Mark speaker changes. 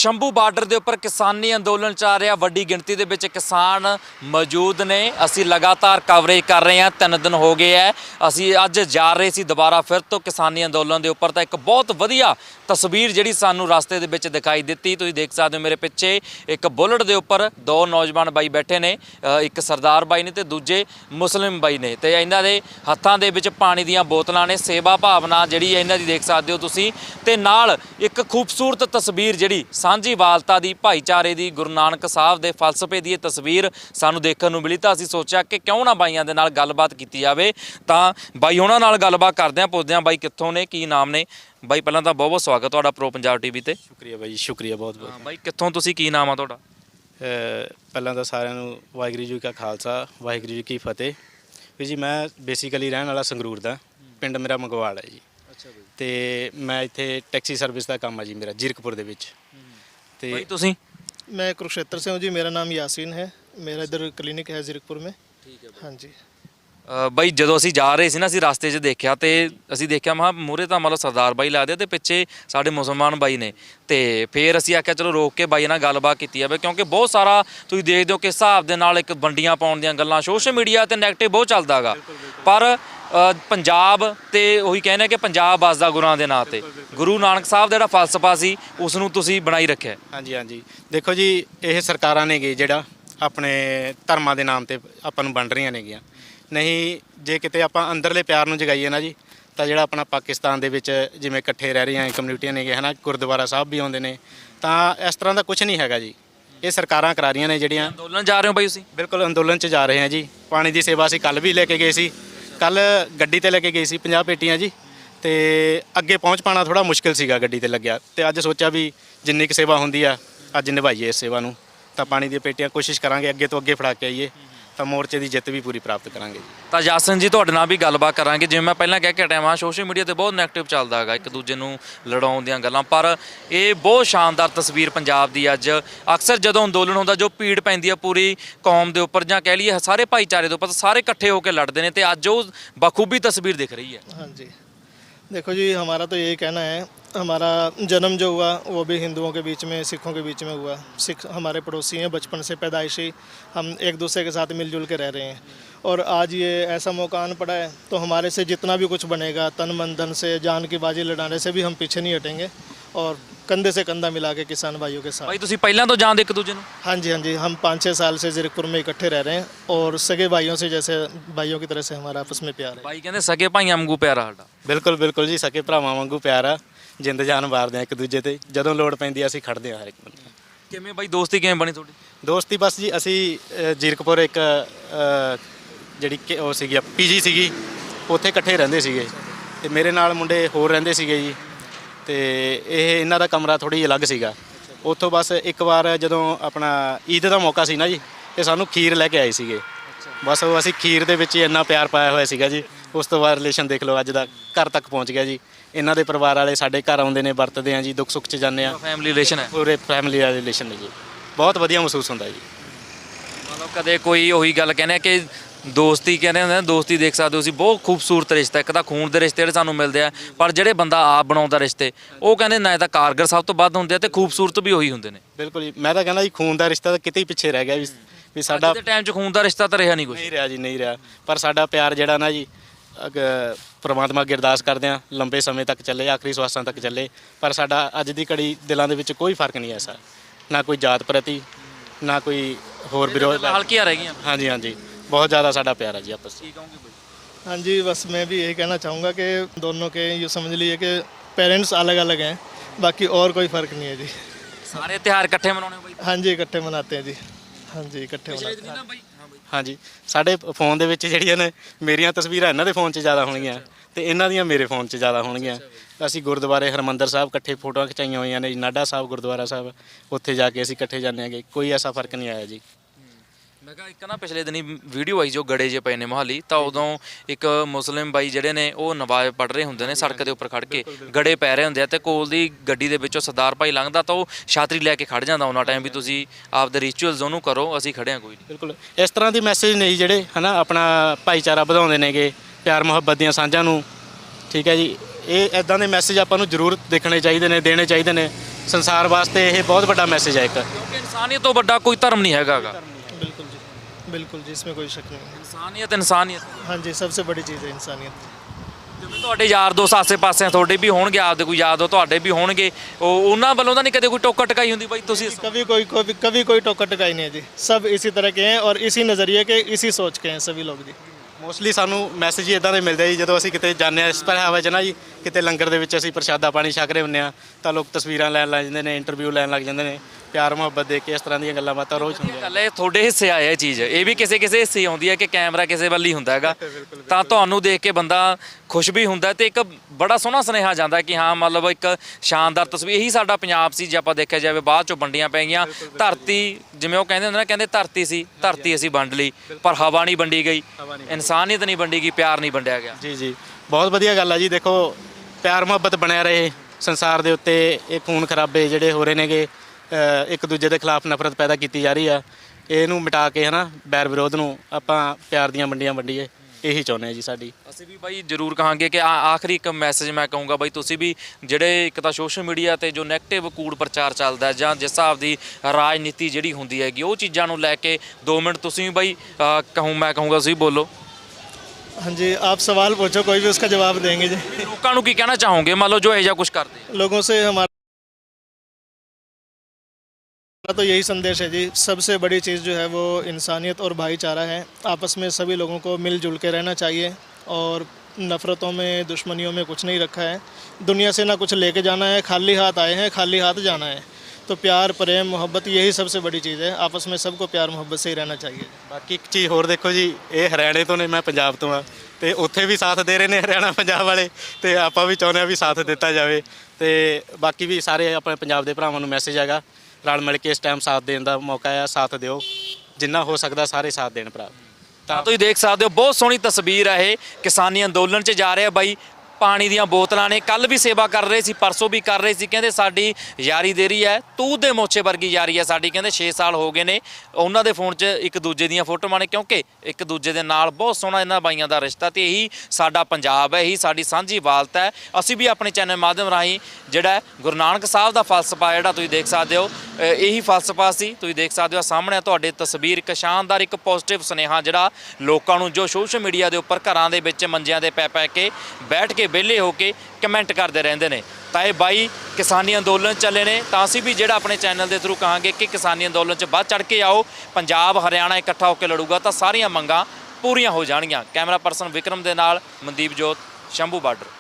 Speaker 1: Shambhu border ਦੇ ਉੱਪਰ ਕਿਸਾਨੀ ਅੰਦੋਲਨ ਚੱਲ ਰਿਹਾ। ਵੱਡੀ ਗਿਣਤੀ ਦੇ ਵਿੱਚ ਕਿਸਾਨ ਮੌਜੂਦ ਨੇ। ਅਸੀਂ ਲਗਾਤਾਰ ਕਵਰੇਜ ਕਰ ਰਹੇ ਹਾਂ। 3 ਦਿਨ ਹੋ ਗਏ ਹੈ। ਅਸੀਂ ਅੱਜ ਜਾ ਰਹੇ ਸੀ ਦੁਬਾਰਾ ਫਿਰ ਤੋਂ ਕਿਸਾਨੀ ਅੰਦੋਲਨ ਦੇ ਉੱਪਰ। ਤਾਂ ਇੱਕ ਬਹੁਤ ਵਧੀਆ ਤਸਵੀਰ ਜਿਹੜੀ ਸਾਨੂੰ ਰਸਤੇ ਦੇ ਵਿੱਚ ਦਿਖਾਈ ਦਿੱਤੀ। ਤੁਸੀਂ ਦੇਖ ਸਕਦੇ ਹੋ ਮੇਰੇ ਪਿੱਛੇ ਇੱਕ ਬੁਲਟ ਦੇ ਉੱਪਰ 2 ਨੌਜਵਾਨ ਬਾਈ ਬੈਠੇ ਨੇ। ਇੱਕ ਸਰਦਾਰ ਬਾਈ ਨੇ ਤੇ ਦੂਜੇ ਮੁਸਲਿਮ ਬਾਈ ਨੇ। ਤੇ ਇਹਨਾਂ ਦੇ ਹੱਥਾਂ ਦੇ ਵਿੱਚ ਪਾਣੀ ਦੀਆਂ ਬੋਤਲਾਂ ਨੇ। ਸੇਵਾ ਭਾਵਨਾ ਜਿਹੜੀ ਇਹਨਾਂ ਦੀ ਦੇਖ ਸਕਦੇ ਹੋ ਤੁਸੀਂ। ਤੇ ਨਾਲ ਇੱਕ ਖੂਬਸੂਰਤ ਤਸਵੀਰ ਜਿਹੜੀ ਸਾਂਝੀਵਾਲਤਾ ਦੀ, ਭਾਈਚਾਰੇ ਦੀ, ਗੁਰੂ ਨਾਨਕ ਸਾਹਿਬ ਦੇ ਫਲਸਫੇ ਦੀ ਇਹ ਤਸਵੀਰ ਸਾਨੂੰ ਦੇਖਣ ਨੂੰ ਮਿਲੀ। ਤਾਂ ਅਸੀਂ ਸੋਚਿਆ ਕਿ ਕਿਉਂ ਨਾ ਬਾਈਆਂ ਦੇ ਨਾਲ ਗੱਲਬਾਤ ਕੀਤੀ ਜਾਵੇ। ਤਾਂ ਬਾਈ ਉਹਨਾਂ ਨਾਲ ਗੱਲਬਾਤ ਕਰਦੇ ਹਾਂ, ਪੁੱਛਦੇ ਹਾਂ ਬਾਈ ਕਿੱਥੋਂ ਨੇ, ਕੀ ਨਾਮ ਨੇ। ਬਾਈ ਪਹਿਲਾਂ ਤਾਂ ਬਹੁਤ ਬਹੁਤ ਸਵਾਗਤ ਤੁਹਾਡਾ ਪ੍ਰੋ ਪੰਜਾਬ ਟੀਵੀ ਤੇ।
Speaker 2: ਸ਼ੁਕਰੀਆ ਬਾਈ, ਸ਼ੁਕਰੀਆ ਬਹੁਤ ਬਹੁਤ।
Speaker 1: ਬਾਈ ਕਿੱਥੋਂ ਤੁਸੀਂ, ਕੀ ਨਾਮ ਆ ਤੁਹਾਡਾ?
Speaker 2: ਪਹਿਲਾਂ ਤਾਂ ਸਾਰਿਆਂ ਨੂੰ ਵਾਹਿਗੁਰੂ ਜੀ ਕਾ ਖਾਲਸਾ, ਵਾਹਿਗੁਰੂ ਜੀ ਕੀ ਫਤਿਹ। ਵੀ ਜੀ ਮੈਂ ਬੇਸਿਕਲੀ ਰਹਿਣ ਵਾਲਾ ਸੰਗਰੂਰ ਦਾ, ਪਿੰਡ ਮੇਰਾ ਮੰਗਵਾਲ ਹੈ ਜੀ।
Speaker 1: ਅੱਛਾ ਬਾਈ।
Speaker 2: ਤੇ ਮੈਂ ਇੱਥੇ ਟੈਕਸੀ ਸਰਵਿਸ ਦਾ ਕੰਮ ਆ ਜੀ ਮੇਰਾ ਜ਼ੀਰਕਪੁਰ ਦੇ ਵਿੱਚ। ਤੇ
Speaker 1: ਬਾਈ ਤੁਸੀਂ?
Speaker 3: मैं कुरुक्षेत्र से हूँ जी। मेरा नाम यासीन है। मेरा इधर क्लिनिक है जीरकपुर में।
Speaker 1: ठीक है
Speaker 3: हाँ जी।
Speaker 1: ਬਾਈ ਜਦੋਂ ਅਸੀਂ ਜਾ ਰਹੇ ਸੀ ਨਾ, ਅਸੀਂ ਰਸਤੇ 'ਚ ਦੇਖਿਆ ਤੇ ਅਸੀਂ ਦੇਖਿਆ ਮਹਾ ਮੂਹਰੇ ਤਾਂ ਮਤਲਬ ਸਰਦਾਰ ਬਾਈ ਲੱਗਦੇ ਤੇ ਪਿੱਛੇ ਸਾਡੇ ਮੁਸਲਮਾਨ ਬਾਈ ਨੇ। ਤੇ ਫਿਰ ਅਸੀਂ ਆਖਿਆ ਚਲੋ ਰੋਕ ਕੇ ਬਾਈ ਨਾਲ ਗੱਲਬਾਤ ਕੀਤੀ ਜਾਵੇ, ਕਿਉਂਕਿ ਬਹੁਤ ਸਾਰਾ ਤੁਸੀਂ ਦੇਖਦੇ ਹੋ ਕਿ ਹਿਸਾਬ ਦੇ ਨਾਲ ਇੱਕ ਵੰਡੀਆਂ ਪਾਉਣ ਦੀਆਂ ਗੱਲਾਂ ਸੋਸ਼ਲ ਮੀਡੀਆ ਤੇ ਨੈਗੇਟਿਵ ਬਹੁਤ ਚੱਲਦਾ ਗਾ। ਪਰ ਪੰਜਾਬ ਤੇ ਉਹੀ ਕਹਿੰਦੇ ਕਿ ਪੰਜਾਬ ਵੱਸਦਾ ਗੁਰਾਂ ਦੇ ਨਾਂ ਤੇ। ਗੁਰੂ ਨਾਨਕ ਸਾਹਿਬ ਦਾ ਜਿਹੜਾ ਫਲਸਫਾ ਸੀ ਉਸ ਨੂੰ ਤੁਸੀਂ ਬਣਾਈ ਰੱਖਿਆ।
Speaker 2: ਹਾਂਜੀ ਹਾਂਜੀ, ਦੇਖੋ ਜੀ ਇਹ ਸਰਕਾਰਾਂ ਨੇਗੇ ਜਿਹੜਾ ਆਪਣੇ ਧਰਮਾਂ ਦੇ ਨਾਮ ਤੇ ਆਪਾਂ ਨੂੰ ਵੰਡ ਰਹੀਆਂ ਨੇਗੀਆਂ। ਨਹੀਂ ਜੇ ਕਿਤੇ ਆਪਾਂ ਅੰਦਰਲੇ ਪਿਆਰ ਨੂੰ ਜਗਾਈਏ ਨਾ ਜੀ, ਤਾਂ ਜਿਹੜਾ ਆਪਣਾ ਪਾਕਿਸਤਾਨ ਦੇ ਵਿੱਚ ਜਿਵੇਂ ਇਕੱਠੇ ਰਹਿ ਰਹੀਆਂ ਕਮਿਊਨਿਟੀਆਂ ਨੇਗੇ, ਹੈ ਨਾ, ਗੁਰਦੁਆਰਾ ਸਾਹਿਬ ਵੀ ਆਉਂਦੇ ਨੇ, ਤਾਂ ਇਸ ਤਰ੍ਹਾਂ ਦਾ ਕੁਝ ਨਹੀਂ ਹੈਗਾ ਜੀ। ਇਹ ਸਰਕਾਰਾਂ ਕਰਾ ਰਹੀਆਂ ਨੇ ਜਿਹੜੀਆਂ।
Speaker 1: ਅੰਦੋਲਨ ਜਾ ਰਹੇ ਹੋ ਬਾਈ ਤੁਸੀਂ?
Speaker 2: ਬਿਲਕੁਲ ਅੰਦੋਲਨ 'ਚ ਜਾ ਰਹੇ ਹਾਂ ਜੀ। ਪਾਣੀ ਦੀ ਸੇਵਾ ਅਸੀਂ ਕੱਲ੍ਹ ਵੀ ਲੈ ਕੇ ਗਏ ਸੀ। ਕੱਲ੍ਹ ਗੱਡੀ ਤੇ ਲੈ ਕੇ ਗਏ ਸੀ 50 ਪੇਟੀਆਂ ਜੀ। ਤੇ ਅੱਗੇ ਪਹੁੰਚ ਪਾਉਣਾ ਥੋੜ੍ਹਾ ਮੁਸ਼ਕਿਲ ਸੀਗਾ ਗੱਡੀ ਤੇ ਲੱਗਿਆ। ਤੇ ਅੱਜ ਸੋਚਿਆ ਵੀ ਜਿੰਨੀ ਕੁ ਸੇਵਾ ਹੁੰਦੀ ਆ ਅੱਜ ਨਿਭਾਈਏ ਇਸ ਸੇਵਾ ਨੂੰ। ਤਾਂ ਪਾਣੀ ਦੀਆਂ ਪੇਟੀਆਂ ਕੋਸ਼ਿਸ਼ ਕਰਾਂਗੇ ਅੱਗੇ ਤੋਂ ਅੱਗੇ ਫੜਾ ਕੇ ਆਈਏ, ਤਾਂ ਮੋਰਚੇ ਦੀ ਜਿੱਤ ਵੀ ਪੂਰੀ ਪ੍ਰਾਪਤ ਕਰਾਂਗੇ ਜੀ।
Speaker 1: ਤਾਂ ਯਾਸਨ ਜੀ ਤੁਹਾਡੇ ਨਾਲ ਵੀ ਗੱਲਬਾਤ ਕਰਾਂਗੇ। ਜਿਵੇਂ ਮੈਂ ਪਹਿਲਾਂ ਕਹਿ ਕੇ ਹਟਿਆ ਵਾਂ, ਸੋਸ਼ਲ ਮੀਡੀਆ ਤੇ ਬਹੁਤ ਨੈਗੇਟਿਵ ਚੱਲਦਾ ਹੈਗਾ, ਇੱਕ ਦੂਜੇ ਨੂੰ ਲੜਾਉਣ ਦੀਆਂ ਗੱਲਾਂ। ਪਰ ਇਹ ਬਹੁਤ ਸ਼ਾਨਦਾਰ ਤਸਵੀਰ ਪੰਜਾਬ ਦੀ ਅੱਜ। ਅਕਸਰ ਜਦੋਂ ਅੰਦੋਲਨ ਹੁੰਦਾ, ਜੋ ਭੀੜ ਪੈਂਦੀ ਆ ਪੂਰੀ ਕੌਮ ਦੇ ਉੱਪਰ, ਜਾਂ ਕਹਿ ਲਈਏ ਸਾਰੇ ਭਾਈਚਾਰੇ ਦੇ ਉੱਪਰ, ਸਾਰੇ ਇਕੱਠੇ ਹੋ ਕੇ ਲੜਦੇ ਨੇ। ਤੇ ਅੱਜ ਉਹ ਬਖੂਬੀ ਤਸਵੀਰ ਦਿਖ ਰਹੀ ਹੈ।
Speaker 3: हाँ जी। देखो जी, हमारा तो यही कहना है, हमारा जन्म जो हुआ वो भी हिंदुओं के बीच में, सिखों के बीच में हुआ। सिख हमारे पड़ोसी हैं, बचपन से पैदाइशी हम एक दूसरे के साथ मिलजुल के रह रहे हैं। और आज ये ऐसा मौका आन पड़ा है, तो हमारे से जितना भी कुछ बनेगा, तन मन धन से, जान की बाजी लड़ाने से भी हम पीछे नहीं हटेंगे। और कंधे से कंधा मिला के किसान भाइयों के साथ।
Speaker 1: ਬਾਈ ਤੁਸੀਂ ਪਹਿਲਾਂ ਤੋਂ ਜਾਣਦੇ ਇੱਕ ਦੂਜੇ ਨੂੰ?
Speaker 3: हाँ जी, हाँ जी। हम 5-6 साल से जीरकपुर में इकट्ठे रह रहे हैं, और सगे भाइयों से, जैसे भाइयों की तरह से हमारा आपस में प्यार है।
Speaker 1: ਬਾਈ ਕਹਿੰਦੇ ਸਕੇ ਭਾਈਆਂ ਵਾਂਗੂ ਪਿਆਰਾ ਸਾਡਾ।
Speaker 2: ਬਿਲਕੁਲ ਬਿਲਕੁਲ ਜੀ, ਸਕੇ ਭਰਾਵਾਂ ਵਾਂਗੂ ਪਿਆਰ ਆ। ਜਿੰਦ ਜਾਨ ਵਾਰਦੇ ਆ ਇੱਕ ਦੂਜੇ ਤੇ, ਜਦੋਂ ਲੋੜ ਪੈਂਦੀ ਆ ਅਸੀਂ ਖੜਦੇ ਆ ਹਰ ਇੱਕ ਬੰਦੇ।
Speaker 1: ਕਿਵੇਂ ਬਾਈ ਦੋਸਤੀ ਕਿਵੇਂ ਬਣੀ ਤੁਹਾਡੀ?
Speaker 2: ਦੋਸਤੀ ਬਸ ਜੀ, ਅਸੀਂ ਜ਼ੀਰਕਪੁਰ ਇੱਕ ਜਿਹੜੀ ਕਿ ਉਹ ਸੀਗੀ ਪੀਜੀ ਸੀਗੀ, ਉੱਥੇ ਇਕੱਠੇ ਰਹਿੰਦੇ ਸੀਗੇ। ਤੇ ਮੇਰੇ ਨਾਲ ਮੁੰਡੇ ਹੋਰ ਰਹਿੰਦੇ ਸੀਗੇ ਜੀ। ਤੇ ਇਹ ਇਹਨਾਂ ਦਾ ਕਮਰਾ ਥੋੜ੍ਹੀ ਅਲੱਗ ਸੀਗਾ। ਉੱਥੋਂ ਬਸ ਇੱਕ ਵਾਰ ਜਦੋਂ ਆਪਣਾ ਈਦ ਦਾ ਮੌਕਾ ਸੀ ਨਾ ਜੀ, ਇਹ ਸਾਨੂੰ ਖੀਰ ਲੈ ਕੇ ਆਏ ਸੀਗੇ। ਬਸ ਉਹ ਅਸੀਂ ਖੀਰ ਦੇ ਵਿੱਚ ਹੀ ਇੰਨਾ ਪਿਆਰ ਪਾਇਆ ਹੋਇਆ ਸੀਗਾ ਜੀ। ਉਸ ਤੋਂ ਬਾਅਦ ਰਿਲੇਸ਼ਨ ਦੇਖ ਲਓ ਅੱਜ ਦਾ ਘਰ ਤੱਕ ਪਹੁੰਚ ਗਿਆ ਜੀ। ਇਹਨਾਂ ਦੇ ਪਰਿਵਾਰ ਵਾਲੇ ਸਾਡੇ ਘਰ ਆਉਂਦੇ ਨੇ, ਵਰਤਦੇ ਆ ਜੀ, ਦੁੱਖ ਸੁੱਖ 'ਚ ਜਾਂਦੇ ਆ।
Speaker 1: ਫੈਮਿਲੀ ਰਿਲੇਸ਼ਨ ਹੈ?
Speaker 2: ਪੂਰੇ ਫੈਮਿਲੀ ਵਾਲੇ ਰਿਲੇਸ਼ਨ ਨੇ ਜੀ। ਬਹੁਤ ਵਧੀਆ ਮਹਿਸੂਸ ਹੁੰਦਾ ਜੀ।
Speaker 1: ਮਤਲਬ ਕਦੇ ਕੋਈ ਉਹੀ ਗੱਲ ਕਹਿੰਦੇ ਕਿ ਦੋਸਤੀ ਕਹਿੰਦੇ ਹੁੰਦੇ ਨੇ, ਦੋਸਤੀ ਦੇਖ ਸਕਦੇ ਹੋ ਤੁਸੀਂ, ਬਹੁਤ ਖੂਬਸੂਰਤ ਰਿਸ਼ਤਾ। ਇੱਕ ਤਾਂ ਖੂਨ ਦੇ ਰਿਸ਼ਤੇ ਜਿਹੜੇ ਸਾਨੂੰ ਮਿਲਦੇ ਆ, ਪਰ ਜਿਹੜੇ ਬੰਦਾ ਆਪ ਬਣਾਉਂਦਾ ਰਿਸ਼ਤੇ, ਉਹ ਕਹਿੰਦੇ ਨਾ ਤਾਂ ਕਾਰਗਰ ਸਭ ਤੋਂ ਵੱਧ ਹੁੰਦੇ ਆ ਤੇ ਖੂਬਸੂਰਤ ਵੀ ਉਹੀ ਹੁੰਦੇ ਨੇ।
Speaker 2: ਬਿਲਕੁਲ ਜੀ, ਮੈਂ ਤਾਂ ਕਹਿੰਦਾ ਜੀ ਖੂਨ ਦਾ ਰਿਸ਼ਤਾ ਤਾਂ ਕਿਤੇ ਹੀ ਪਿੱਛੇ ਰਹਿ ਗਿਆ ਵੀ ਸਾਡਾ
Speaker 1: ਅੱਜ ਦੇ ਟਾਈਮ 'ਚ ਖੂਨ ਦਾ ਰਿਸ਼ਤਾ ਤਾਂ ਰਿਹਾ ਨਹੀਂ ਕੁਝ।
Speaker 2: ਨਹੀਂ ਰਿਹਾ ਜੀ, ਨਹੀਂ ਰਿਹਾ। ਪਰ ਸਾਡਾ ਪਿਆਰ ਜਿਹੜਾ ਨਾ ਜੀ, ਪ੍ਰਮਾਤਮਾ ਅੱਗੇ ਅਰਦਾਸ ਕਰਦੇ ਆ ਲੰਬੇ ਸਮੇਂ ਤੱਕ ਚੱਲੇ, ਆਖਰੀ ਸਵਾਸਾਂ ਤੱਕ ਚੱਲੇ। ਪਰ ਸਾਡਾ ਅੱਜ ਦੀ ਘੜੀ ਦਿਲਾਂ ਦੇ ਵਿੱਚ ਕੋਈ ਫਰਕ ਨਹੀਂ ਐਸਾ, ਨਾ ਕੋਈ ਜਾਤ ਪ੍ਰਤੀ, ਨਾ ਕੋਈ ਹੋਰ ਵਿਰੋਧ।
Speaker 1: ਹਲਕੀਆਂ ਰਹਿ ਗਈਆਂ।
Speaker 2: ਹਾਂਜੀ ਹਾਂਜੀ, ਬਹੁਤ ਜ਼ਿਆਦਾ ਸਾਡਾ ਪਿਆਰ ਹੈ ਜੀ ਆਪਸ 'ਚ।
Speaker 1: ਕੀ ਕਹੋਗੇ ਬਾਈ?
Speaker 3: हाँ जी, बस मैं भी यही कहना चाहूँगा कि दोनों के ये समझ लीजिए कि पेरेंट्स अलग अलग हैं, बाकी और कोई फ़र्क नहीं है जी।
Speaker 1: ਸਾਰੇ ਤਿਉਹਾਰ ਇਕੱਠੇ ਮਨਾਉਣੇ ਬਾਈ?
Speaker 3: हाँ जी, इकट्ठे मनाते हैं जी। हाँ जी, इकट्ठे मनाते हैं।
Speaker 2: ਹਾਂਜੀ, ਸਾਡੇ ਫੋਨ ਦੇ ਵਿੱਚ ਜਿਹੜੀਆਂ ਨੇ ਮੇਰੀਆਂ ਤਸਵੀਰਾਂ ਇਹਨਾਂ ਦੇ ਫੋਨ 'ਚ ਜ਼ਿਆਦਾ ਹੋਣਗੀਆਂ, ਤੇ ਇਹਨਾਂ ਦੀਆਂ ਮੇਰੇ ਫੋਨ 'ਚ ਜ਼ਿਆਦਾ ਹੋਣਗੀਆਂ। ਅਸੀਂ ਗੁਰਦੁਆਰੇ ਹਰਿਮੰਦਰ ਸਾਹਿਬ ਇਕੱਠੇ ਫੋਟੋਆਂ ਖਿਚਾਈਆਂ ਹੋਈਆਂ ਨੇ ਜੀ। ਨਾਢਾ ਸਾਹਿਬ ਗੁਰਦੁਆਰਾ ਸਾਹਿਬ, ਉੱਥੇ ਜਾ ਕੇ ਅਸੀਂ ਇਕੱਠੇ ਜਾਂਦੇ ਹੈਗੇ। ਕੋਈ ਐਸਾ ਫਰਕ ਨਹੀਂ ਆਇਆ ਜੀ।
Speaker 1: ਮੈਂ ਕਿਹਾ ਇੱਕ ਨਾ ਪਿਛਲੇ ਦਿਨੀ ਵੀਡੀਓ ਆਈ ਜੋ ਗੜੇ ਜੇ ਪਏ ਨੇ ਮੋਹਾਲੀ, ਤਾਂ ਉਦੋਂ ਇੱਕ ਮੁਸਲਿਮ ਬਾਈ ਜਿਹੜੇ ਨੇ ਉਹ ਨਵਾਜ਼ ਪੜ੍ਹ ਰਹੇ ਹੁੰਦੇ ਨੇ ਸੜਕ ਦੇ ਉੱਪਰ ਖੜ੍ਹ ਕੇ, ਗੜੇ ਪੈ ਰਹੇ ਹੁੰਦੇ ਆ, ਤੇ ਕੋਲ ਦੀ ਗੱਡੀ ਦੇ ਵਿੱਚੋਂ ਸਰਦਾਰ ਭਾਈ ਲੰਘਦਾ ਤਾਂ ਉਹ ਛਾਤਰੀ ਲੈ ਕੇ ਖੜ੍ਹ ਜਾਂਦਾ ਉਹਨਾਂ ਟਾਈਮ ਵੀ ਤੁਸੀਂ ਆਪਦੇ ਰਿਚੁਅਲਸ ਉਹਨੂੰ ਕਰੋ, ਅਸੀਂ ਖੜ੍ਹੇ ਹਾਂ ਕੋਈ ਨਹੀਂ।
Speaker 2: ਬਿਲਕੁਲ ਇਸ ਤਰ੍ਹਾਂ ਦੀ ਮੈਸੇਜ ਨੇ ਜੀ ਜਿਹੜੇ ਹੈ ਨਾ ਆਪਣਾ ਭਾਈਚਾਰਾ ਵਧਾਉਂਦੇ ਨੇਗੇ, ਪਿਆਰ ਮੁਹੱਬਤ ਦੀਆਂ ਸਾਂਝਾਂ ਨੂੰ। ਠੀਕ ਹੈ ਜੀ, ਇਹ ਇੱਦਾਂ ਦੇ ਮੈਸੇਜ ਆਪਾਂ ਨੂੰ ਜ਼ਰੂਰ ਦੇਖਣੇ ਚਾਹੀਦੇ ਨੇ, ਦੇਣੇ ਚਾਹੀਦੇ ਨੇ। ਸੰਸਾਰ ਵਾਸਤੇ ਇਹ ਬਹੁਤ ਵੱਡਾ ਮੈਸੇਜ ਹੈ ਇੱਕ।
Speaker 1: ਕਿਉਂਕਿ ਇਨਸਾਨੀਅਤ ਤੋਂ ਵੱਡਾ ਕੋਈ ਧਰਮ ਨਹੀਂ ਹੈਗਾਗਾ।
Speaker 3: बिल्कुल जी, इसमें कोई शक नहीं है।
Speaker 1: ਇਨਸਾਨੀਅਤ
Speaker 3: हाँ जी, सबसे बड़ी चीज़ है इंसानियत।
Speaker 1: ਜਿਵੇਂ ਤੁਹਾਡੇ ਯਾਰ ਦੋਸਤ ਆਸੇ-ਪਾਸੇ ਤੁਹਾਡੇ ਵੀ ਹੋਣਗੇ, ਆਪਦੇ ਕੋਈ ਯਾਦ ਹੋ ਤੁਹਾਡੇ ਵੀ ਹੋਣਗੇ, ਉਹਨਾਂ ਵੱਲੋਂ ਤਾਂ ਨਹੀਂ ਕਦੇ ਕੋਈ ਟੋਕਾ ਟਕਾਈ ਹੁੰਦੀ ਬਾਈ ਤੁਸੀਂ
Speaker 3: कभी कोई टोका टकाई नहीं है जी। सब इसी तरह के हैं और इसी नज़रिए के, इसी सोच के हैं सभी लोग जी।
Speaker 2: ਮੋਸਟਲੀ ਸਾਨੂੰ ਮੈਸੇਜ ਹੀ ਇਦਾਂ ਦੇ ਮਿਲਦੇ ਜੀ, ਜਦੋਂ ਅਸੀਂ ਕਿਤੇ ਜਾਂਦੇ ਹਾਂ ਇਸ ਪਹਿਰਾਵੇ 'ਚ ਨਾ ਜੀ, ਕਿਤੇ ਲੰਗਰ ਦੇ ਵਿੱਚ ਅਸੀਂ ਪ੍ਰਸ਼ਾਦਾ ਪਾਣੀ ਛਕ ਰਹੇ ਹੁੰਦੇ ਹਾਂ ਤਾਂ ਲੋਕ ਤਸਵੀਰਾਂ ਲੈਣ ਲੱਗ ਜਾਂਦੇ ਨੇ, ਇੰਟਰਵਿਊ ਲੈਣ ਲੱਗ ਜਾਂਦੇ ਨੇ, ਪਿਆਰ ਮੁਹੱਬਤ ਦੇ ਕੇ ਇਸ ਤਰ੍ਹਾਂ ਦੀਆਂ ਗੱਲਾਂ ਬਾਤਾਂ ਰੋਜ਼ ਹੁੰਦੀਆਂ।
Speaker 1: ਗੱਲ ਇਹ ਤੁਹਾਡੇ ਹਿੱਸੇ ਆਇਆ ਇਹ ਚੀਜ਼, ਇਹ ਵੀ ਕਿਸੇ ਕਿਸੇ ਹਿੱਸੇ ਆਉਂਦੀ ਹੈ ਕਿ ਕੈਮਰਾ ਕਿਸੇ ਵੱਲ ਹੀ ਹੁੰਦਾ ਹੈਗਾ, ਤਾਂ ਤੁਹਾਨੂੰ ਦੇਖ ਕੇ ਬੰਦਾ ਖੁਸ਼ ਵੀ ਹੁੰਦਾ ਤੇ ਇੱਕ ਬੜਾ ਸੋਹਣਾ ਸੁਨੇਹਾ ਜਾਂਦਾ ਕਿ ਹਾਂ ਮਤਲਬ ਇੱਕ ਸ਼ਾਨਦਾਰ ਤਸਵੀਰ। ਇਹੀ ਸਾਡਾ ਪੰਜਾਬ ਸੀ ਜੇ ਆਪਾਂ ਦੇਖਿਆ ਜਾਵੇ, ਬਾਅਦ ਚੋਂ ਵੰਡੀਆਂ ਪੈ ਗਈਆਂ। ਧਰਤੀ ਜਿਵੇਂ ਉਹ ਕਹਿੰਦੇ ਹੁੰਦੇ ਨਾ, ਕਹਿੰਦੇ ਧਰਤੀ ਸੀ, ਧਰਤੀ ਅਸੀਂ ਵੰਡ ਲਈ, ਪਰ ਹਵਾ ਨਹੀਂ ਵੰਡੀ ਗਈ, ਇਨਸਾਨੀਅਤ ਨਹੀਂ ਵੰਡੀ ਗਈ, ਪਿਆਰ ਨਹੀਂ ਵੰਡਿਆ ਗਿਆ।
Speaker 2: ਜੀ ਜੀ, ਬਹੁਤ ਵਧੀਆ ਗੱਲ ਆ ਜੀ। ਦੇਖੋ ਪਿਆਰ ਮੁਹੱਬਤ ਬਣਿਆ ਰਹੇ ਸੰਸਾਰ ਦੇ ਉੱਤੇ, ਇਹ ਖੂਨ ਖਰਾਬੇ ਜਿਹੜੇ ਹੋ ਰਹੇ ਨੇਗੇ, ਇੱਕ ਦੂਜੇ ਦੇ ਖਿਲਾਫ ਨਫ਼ਰਤ ਪੈਦਾ ਕੀਤੀ ਜਾ ਰਹੀ ਆ, ਇਹਨੂੰ ਮਿਟਾ ਕੇ ਹਨਾ ਬੈਰ ਵਿਰੋਧ ਨੂੰ ਆਪਾਂ ਪਿਆਰ ਦੀਆਂ ਵੰਡੀਆਂ ਵੰਡੀਏ, ਇਹੀ ਚਾਹੁੰਦੇ ਆ ਜੀ ਸਾਡੀ।
Speaker 1: ਅਸੀਂ ਵੀ ਬਾਈ ਜ਼ਰੂਰ ਕਹਾਂਗੇ ਕਿ ਆਖਰੀ ਇੱਕ ਮੈਸੇਜ ਮੈਂ ਕਹੂੰਗਾ ਬਾਈ, ਤੁਸੀਂ ਵੀ ਜਿਹੜੇ ਇੱਕ ਤਾਂ ਸੋਸ਼ਲ ਮੀਡੀਆ ਤੇ ਜੋ ਨੈਗੇਟਿਵ ਕੂੜ ਪ੍ਰਚਾਰ ਚੱਲਦਾ ਜਾਂ ਜਿਸ ਹਿਸਾਬ ਦੀ ਰਾਜਨੀਤੀ ਜਿਹੜੀ ਹੁੰਦੀ ਹੈਗੀ, ਉਹ ਚੀਜ਼ਾਂ ਨੂੰ ਲੈ ਕੇ 2 ਮਿੰਟ ਤੁਸੀਂ ਵੀ ਬਾਈ ਮੈਂ ਕਹੂੰਗਾ ਤੁਸੀਂ ਬੋਲੋ।
Speaker 3: हाँ जी, आप सवाल पूछो, कोई भी उसका जवाब देंगे जी।
Speaker 1: ਲੋਕਾਂ ਨੂੰ ਕੀ ਕਹਿਣਾ ਚਾਹੋਗੇ ਮੰਨ ਲਓ ਜੋ ਇਹ ਜਿਹਾ ਕੁਝ ਕਰਦੇ ਆ?
Speaker 3: लोगों से हमारा तो यही संदेश है जी, सबसे बड़ी चीज़ जो है वो इंसानियत और भाईचारा है। आपस में सभी लोगों को मिलजुल के रहना चाहिए और नफ़रतों में, दुश्मनियों में कुछ नहीं रखा है। दुनिया से ना कुछ लेके जाना है, खाली हाथ आए हैं, खाली हाथ जाना है। तो प्यार प्रेम मोहब्बत यही सबसे बड़ी चीज़ है। आपस में सबको प्यार मोहब्बत से ही रहना चाहिए।
Speaker 2: ਬਾਕੀ ਇੱਕ ਚੀਜ਼ ਹੋਰ ਦੇਖੋ ਜੀ, ਇਹ ਹਰਿਆਣੇ ਤੋਂ ਨੇ, ਮੈਂ ਪੰਜਾਬ ਤੋਂ ਆ, ਤੇ ਉੱਥੇ ਵੀ ਸਾਥ ਦੇ ਰਹੇ ਨੇ ਹਰਿਆਣਾ ਪੰਜਾਬ ਵਾਲੇ, ਤੇ ਆਪਾਂ ਵੀ ਚਾਹੁੰਦੇ ਆ ਵੀ ਸਾਥ ਦਿੱਤਾ ਜਾਵੇ। ਤੇ ਬਾਕੀ ਵੀ ਸਾਰੇ ਆਪਣੇ ਪੰਜਾਬ ਦੇ ਭਰਾਵਾਂ ਨੂੰ ਮੈਸੇਜ ਹੈਗਾ, ਰਲ ਮਿਲ ਕੇ ਇਸ ਟਾਈਮ ਸਾਥ ਦੇਣ ਦਾ ਮੌਕਾ ਆ, ਸਾਥ ਦਿਓ ਜਿੰਨਾ ਹੋ ਸਕਦਾ, ਸਾਰੇ ਸਾਥ ਦੇਣ ਭਰਾ।
Speaker 1: ਤਾਂ ਤੁਸੀਂ ਦੇਖ ਸਕਦੇ ਹੋ ਬਹੁਤ ਸੋਹਣੀ ਤਸਵੀਰ ਹੈ ਇਹ, ਕਿਸਾਨੀ ਅੰਦੋਲਨ 'ਚ ਜਾ ਰਿਹਾ ਬਾਈ, ਪਾਣੀ ਦੀਆਂ ਬੋਤਲਾਂ ਨੇ, ਕੱਲ ਵੀ ਸੇਵਾ ਕਰ ਰਹੇ ਸੀ, ਪਰਸੋਂ ਵੀ ਕਰ ਰਹੇ ਸੀ, ਕਹਿੰਦੇ ਸਾਡੀ ਯਾਰੀ ਦੇਰੀ ਹੈ, ਤੂੰ ਦੇ ਮੋਚੇ ਵਰਗੀ ਯਾਰੀ ਹੈ ਸਾਡੀ, ਕਹਿੰਦੇ 6 ਸਾਲ ਹੋ ਗਏ ਨੇ ਉਹਨਾਂ ਦੇ ਫੋਨ 'ਚ ਇੱਕ ਦੂਜੇ ਦੀਆਂ ਫੋਟੋਆਂ ਨੇ, ਕਿਉਂਕਿ ਇੱਕ ਦੂਜੇ ਦੇ ਨਾਲ ਬਹੁਤ ਸੋਹਣਾ ਇਹਨਾਂ ਬਾਈਆਂ ਦਾ ਰਿਸ਼ਤਾ, ਤੇ ਇਹੀ ਸਾਡਾ ਪੰਜਾਬ ਹੈ, ਇਹੀ ਸਾਡੀ ਸਾਂਝੀ ਵਾਲਤ ਹੈ। ਅਸੀਂ ਵੀ ਆਪਣੇ ਚੈਨਲ ਮਾਧਿਅਮ ਰਾਹੀਂ ਜਿਹੜਾ ਗੁਰੂ ਨਾਨਕ ਸਾਹਿਬ ਦਾ ਫਲਸਫਾ ਜਿਹੜਾ ਤੁਸੀਂ ਦੇਖ ਸਕਦੇ ਹੋ, ਇਹੀ ਫਲਸਫਾ ਸੀ, ਤੁਸੀਂ ਦੇਖ ਸਕਦੇ ਹੋ ਸਾਹਮਣੇ ਤੁਹਾਡੇ ਤਸਵੀਰ, ਇੱਕ ਸ਼ਾਨਦਾਰ ਇੱਕ ਪੋਜ਼ਿਟਿਵ ਸੁਨੇਹਾ ਜਿਹੜਾ ਲੋਕਾਂ ਨੂੰ, ਜੋ ਸੋਸ਼ਲ ਮੀਡੀਆ ਦੇ ਉੱਪਰ ਘਰਾਂ ਦੇ ਵਿੱਚ ਮੰਜਿਆਂ ਦੇ ਪੈ ਕੇ ਬੈਠ ਕੇ ਵਿਹਲੇ ਹੋ ਕੇ ਕਮੈਂਟ ਕਰਦੇ ਰਹਿੰਦੇ ਨੇ। ਤਾਂ ਇਹ ਬਾਈ ਕਿਸਾਨੀ ਅੰਦੋਲਨ ਚੱਲੇ ਨੇ, ਤਾਂ ਅਸੀਂ ਵੀ ਜਿਹੜਾ ਆਪਣੇ ਚੈਨਲ ਦੇ ਥਰੂ ਕਹਾਂਗੇ ਕਿ ਕਿਸਾਨੀ ਅੰਦੋਲਨ 'ਚ ਵੱਧ ਚੜ ਕੇ ਆਓ। ਪੰਜਾਬ ਹਰਿਆਣਾ ਇਕੱਠਾ ਹੋ ਕੇ ਲੜੂਗਾ ਤਾਂ ਸਾਰੀਆਂ ਮੰਗਾਂ ਪੂਰੀਆਂ ਹੋ ਜਾਣਗੀਆਂ। ਕੈਮਰਾ ਪਰਸਨ ਵਿਕਰਮ ਦੇ ਨਾਲ ਮਨਦੀਪ ਜੋਤ, ਸ਼ੰਭੂ ਬਾਰਡਰ।